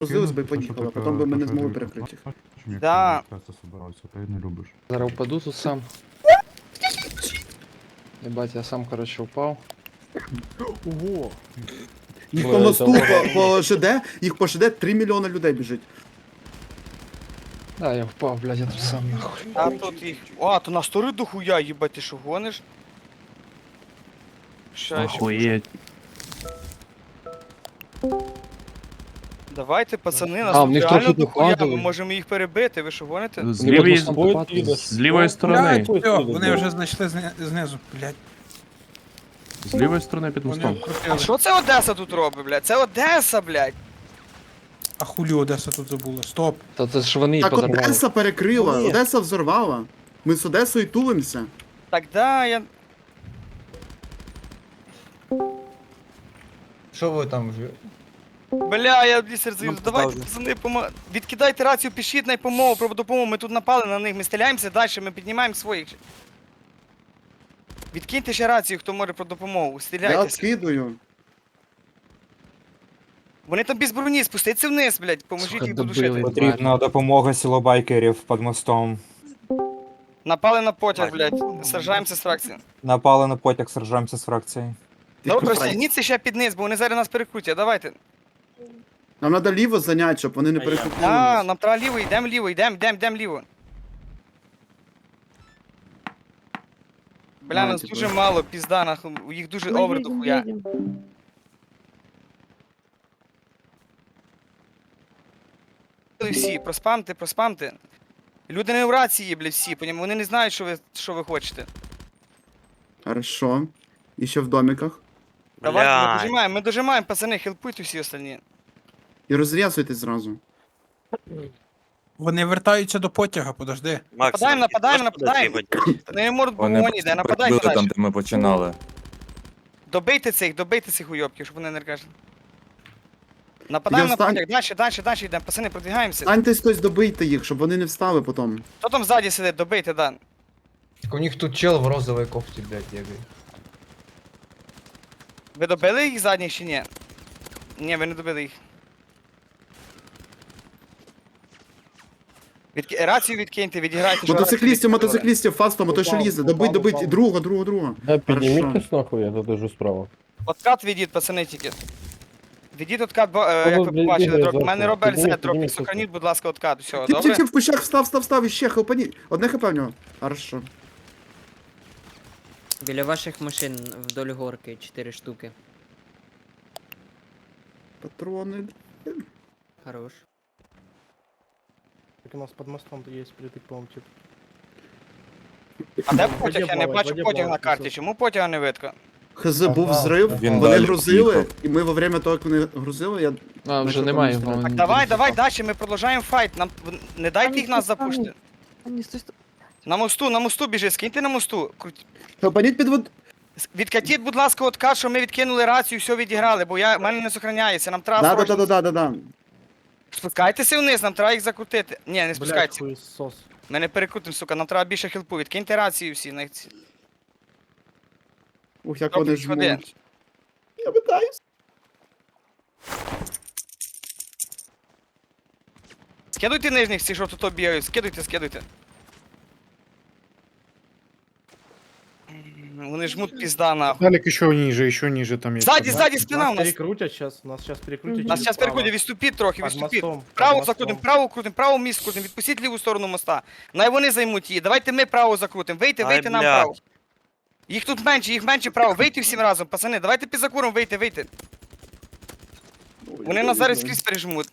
Грузились би і поїхали, а потім би ми не змогли перекрити їх. Да. Ти не любиш. Зараз упаду тут сам. Ебать, я сам, короче, упав. Ого! Їх Ой, по мосту, це по ЖД, їх по ЖД 3 мільйони людей біжить. Да, я впав, блядь, я тут сам нахуй. А тут їх. О, то на стори дохуя, їбать, ти що гониш? Ща, ще. Охуєть. Давайте, пацани, нас А, в тут них реально трохи дохуя, ми доходили. можемо їх перебити, ви що гоните? З лівої, Вони будуть там з лівої сторони. Все, вони вже знайшли знизу, блядь. З лівої сторони під Вони мостом. А обкрутили. що це Одеса тут робить, блядь? Це Одеса, блядь! А хулі Одеса тут забула. Стоп. Та це ж вони і Так подорвали. Одеса перекрила, Ні. Одеса взорвала. Ми з Одесою тулимося. Так да, я. Що ви там вже? Бля, я бісер Ну, заюз. Давайте, пацани, відкидайте рацію, пишіть на допомогу, про допомогу. Ми тут напали на них, ми стріляємося далі, ми піднімаємо своїх. Відкиньте ще рацію, хто може про допомогу. Я Стріляйтеся. скидую. Вони там без броні, спустіться вниз, блядь, поможіть Сука, їх добили. додушити. Потрібна допомога сілобайкерів під мостом. Напали на потяг, блядь. Сражаємося з фракцією. Напали на потяг, сражаємося з фракцією. Добре, стягніться ще під низ, бо вони зараз нас перекрутять, давайте. Нам треба ліво зайняти, щоб вони не перекрутили. А, нас. нам треба ліво, йдемо ліво, йдемо ліво. Бля, нас Давайте, дуже мало, пізда, нахуй, їх дуже овер дохуя. Всі, проспамте. Люди не в рації, блядь, всі, вони не знають, що ви хочете. Хорошо. І ще в домиках. Давайте, ми дожимаємо, пацани, хелпуйте всі остальні. І розрізуйтесь зразу. Вони вертаються до потяга, подожди. Нападаємо. Вони не можуть Вони вогонь іде, нападайте прибили там, далі. де ми починали. Добийте цих уйобків, щоб вони не ркажили. Нападаємо на встань. потяг, далі йдемо, пацани, продвигаємося. Станьтесь хтось добийте їх, щоб вони не встали потім. Хто там ззаді сидить, добийте, да. Так у них тут чел в розовій кофті, блядь, бігає. Ви добили їх задніх чи ні? Ні, ви не добили їх. Рацію відкиньте, відіграйте. що Мотоциклістів, рацію мотоциклістів, фастом, той що лізе. Добить, другого. Да, підніміть Хорошо. хтось нахуй, я тут лежу справа. відкинули. Откат відіть, пацани, тільки. Відіть откат, як ви побачили, бігає трохи. У мене зверху. робель Підніміть, Z, трохи. підніміть, Сохраніть, будь ласка, откат. Все, Тіп, добре? в кущах, встав, і ще хелпані. Одне хп в нього. Хорошо. Біля ваших машин вдоль горки 4 штуки. Патрони. Хорош. Так у нас під мостом є притик, по-моєму, тип. А де потяг? Я не Воді бачу плавать, потяг на воді карті. плавать. Чому потяга не видко? ХЗ був взрив, Він вони далі грузили, поїхав. і ми во время того, як вони грузили, я... А, вже Ми немає. потім вони Так, давай, не далі, ми продовжуємо файт. Нам не дайте їх нас запушити. На мосту біжи, скиньте на мосту. Хелпаніть під вод... Відкатіть, будь ласка, откат, що ми відкинули рацію, все відіграли, бо в мене не сохраняється, нам треба срочно. Да. Спускайтеся вниз, нам треба їх закрутити. Ні, не Блядь, спускайтеся. хуйсос. Ми не перекрутимо, сука, нам треба більше хілпу. Відкиньте рацію всі. Ух, як Добре, вони ходи. жмуть. Я питаюсь. Скидуйте нижніх, ці, що тут бігають, скидуйте. Вони жмуть пізда, нахуй. Далек еще ниже там есть. Ззаді спина у нас. перекрутят сейчас, нас сейчас перекрутят. Нас зараз переходять, відступіть трохи, Під відступіть. мостом, під Право мостом. закрутимо, право крутимо, право міст крутимо, відпустіть ліву сторону моста. Най вони займуть її, давайте ми право закрутимо, вийти нам право. Їх тут менше, їх менше право, вийти всім разом, пацани, давайте під закуром, вийти. Вони нас зараз скрізь пережмуть.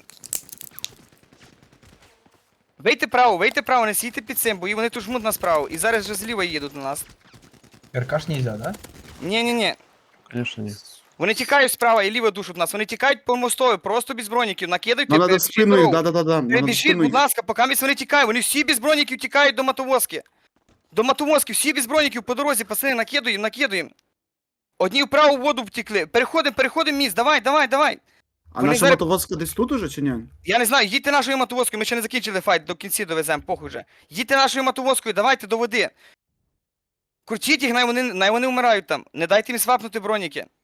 Вийти право, не сійте під цим, бо і вони тут жмуть нас право, і зараз вже зліва їдуть на нас. РКш нельзя, да? Ні. Конечно, нет. Вони тікають справа і ліво душать нас, вони тікають по мостові, просто без броніків, накидайте, Нам треба перебіжіть спиною, дорогу. да. Нам надо Перебіжіть, спиною. будь ласка, поки вони тікають, вони всі без броніків тікають до мотовозки. До мотовозки, всі без броніків по дорозі, пацани, накидуємо. Одні в праву воду втекли. Переходимо міст, давай. А вони наша зараз- мотовозка десь тут уже, чи ні? Я не знаю, їдьте нашою мотовозкою, ми ще не закінчили файт, до кінці довеземо, похуй вже. Їдьте нашою мотовозкою, давайте до води. Крутіть їх, най вони вмирають там. Не дайте їм свапнути броніки.